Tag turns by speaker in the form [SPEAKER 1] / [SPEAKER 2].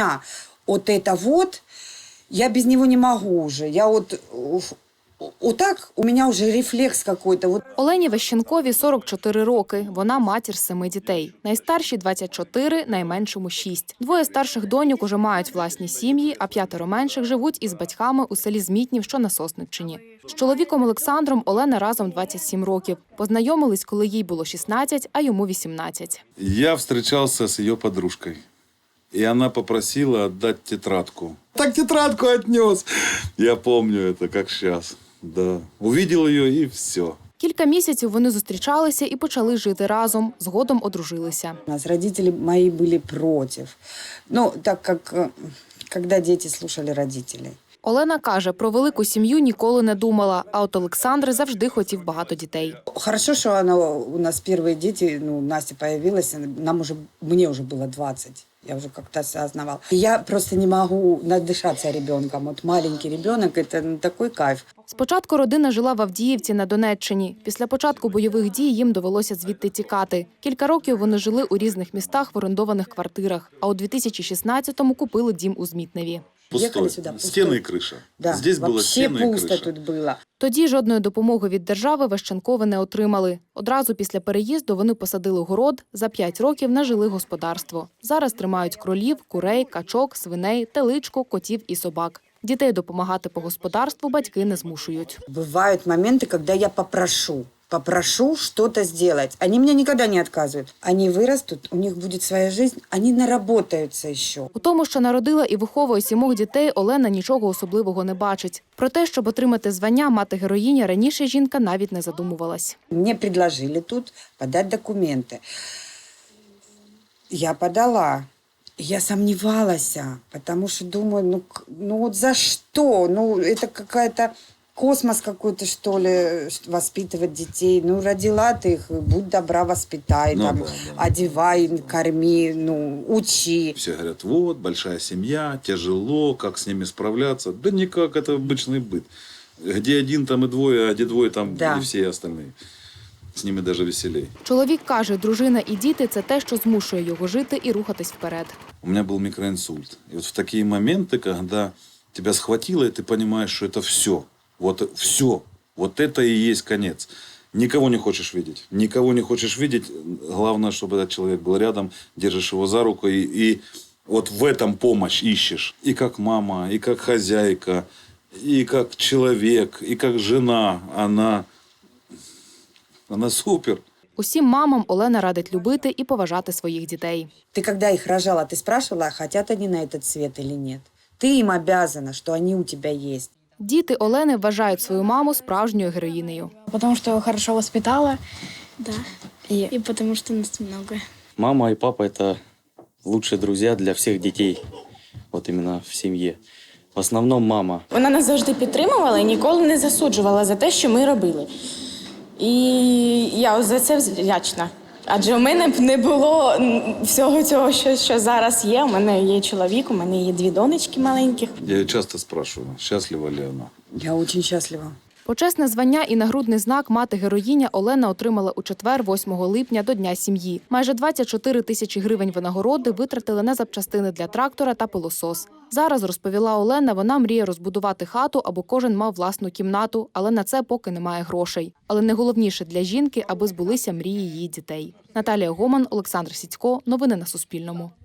[SPEAKER 1] меня вот это вот, я без него не могу уже. Я вот так у меня уже рефлекс какой-то. Вот.
[SPEAKER 2] Олені Вещенкові 44 роки. Вона матір 7 дітей. Найстаршій – 24, найменшому – 6. Двоє старших доньок уже мають власні сім'ї, а 5 менших живуть із батьками у селі Змітнів, що на Сосниччині. З чоловіком Олександром Олена разом 27 років. Познайомились, коли їй було 16, а йому 18.
[SPEAKER 3] Я встречался с ее подружкой. И она попросила отдать тетрадку. Так тетрадку отнес. Я помню это, как сейчас. Да. Увидел ее и все.
[SPEAKER 2] Кілька місяців вони зустрічалися і почали жити разом. Згодом одружилися.
[SPEAKER 1] У нас родители мои были против. Ну, так как, когда дети слушали родителей.
[SPEAKER 2] Олена каже, про велику сім'ю ніколи не думала, а от Олександр завжди хотів багато дітей.
[SPEAKER 1] Хорошо, что у нас первые дети, Настя появилась, мне уже было 20. Я уже как-то осознавала. Я просто не могу надышаться ребенком. Вот маленький ребенок – это такой кайф.
[SPEAKER 2] Спочатку родина жила в Авдіївці на Донеччині. Після початку бойових дій їм довелося звідти тікати. Кілька років вони жили у різних містах в орендованих квартирах, а у 2016-му купили дім у Змітневі.
[SPEAKER 3] Пустой. Стены и крыша.
[SPEAKER 1] Да,
[SPEAKER 3] Здесь было
[SPEAKER 1] вообще
[SPEAKER 3] стены и
[SPEAKER 1] пусто
[SPEAKER 3] крыша.
[SPEAKER 1] тут было.
[SPEAKER 2] Тоді жодної допомоги від держави Вещенкови не отримали. Одразу після переїзду вони посадили город, за 5 років нажили господарство. Зараз тримають кролів, курей, качок, свиней, теличку, котів і собак. Дітей допомагати по господарству батьки не змушують.
[SPEAKER 1] Бывают моменты, когда я попрошу что-то сделать. Они мне никогда не отказывают. Они вырастут, у них будет своя жизнь, они наработаются еще.
[SPEAKER 2] У тому, що народила і виховує 7 дітей, Олена нічого особливого не бачить. Про те, щоб отримати звання мати-героїня, раніше жінка навіть не задумувалась.
[SPEAKER 1] Мне предложили тут подать документы. Я подала. Я сомневалась, потому что думаю, ну вот за что? Ну это какая-то космос какой-то, что ли, воспитывать детей. Ну родила ты их, будь добра, воспитай, одевай, корми, учи.
[SPEAKER 3] Все говорят, вот, большая семья, тяжело, как с ними справляться. Да никак, это обычный быт. Где один, там и двое, а где двое, там и все остальные. З ними навіть веселей.
[SPEAKER 2] Чоловік каже, дружина і діти – це те, що змушує його жити і рухатись вперед.
[SPEAKER 3] У меня был микроинсульт. И вот в такие моменты, когда тебя схватило, и ты понимаешь, что это все. Вот все. Вот это и есть конец. Никого не хочешь видеть. Никого не хочешь видеть. Главное, чтобы этот человек был рядом, держишь его за руку. И вот в этом помощь ищешь. И как мама, и как хозяйка, и как человек, и как жена. Она супер.
[SPEAKER 2] Усім мамам Олена радить любити і поважати своїх дітей.
[SPEAKER 1] Ты когда их рожала, ты спрашивала, хотят они на этот свет или нет? Ты им обязана, что они у тебя есть.
[SPEAKER 2] Діти Олени вважають свою маму справжньою героїнею.
[SPEAKER 4] Потому что хорошо воспитала.
[SPEAKER 5] Да. И потому что нас много.
[SPEAKER 6] Мама и папа – это лучшие друзья для всех детей, вот именно в семье. В основному мама.
[SPEAKER 7] Вона нас завжди підтримувала і ніколи не засуджувала за те, що ми робили. І я за це вдячна. Адже у мене б не було всього цього, що зараз є. У мене є чоловік, у мене є 2 донечки маленьких.
[SPEAKER 3] Я ее часто спрашиваю, счастлива ли она.
[SPEAKER 1] Я очень счастлива.
[SPEAKER 2] Почесне звання і нагрудний знак «Мати-героїня» Олена отримала у четвер, 8 липня, до Дня сім'ї. Майже 24 тисячі гривень винагороди витратили на запчастини для трактора та пилосос. Зараз, розповіла Олена, вона мріє розбудувати хату, аби кожен мав власну кімнату, але на це поки немає грошей. Але найголовніше для жінки, аби збулися мрії її дітей. Наталія Гоман, Олександр Сіцько. Новини на Суспільному.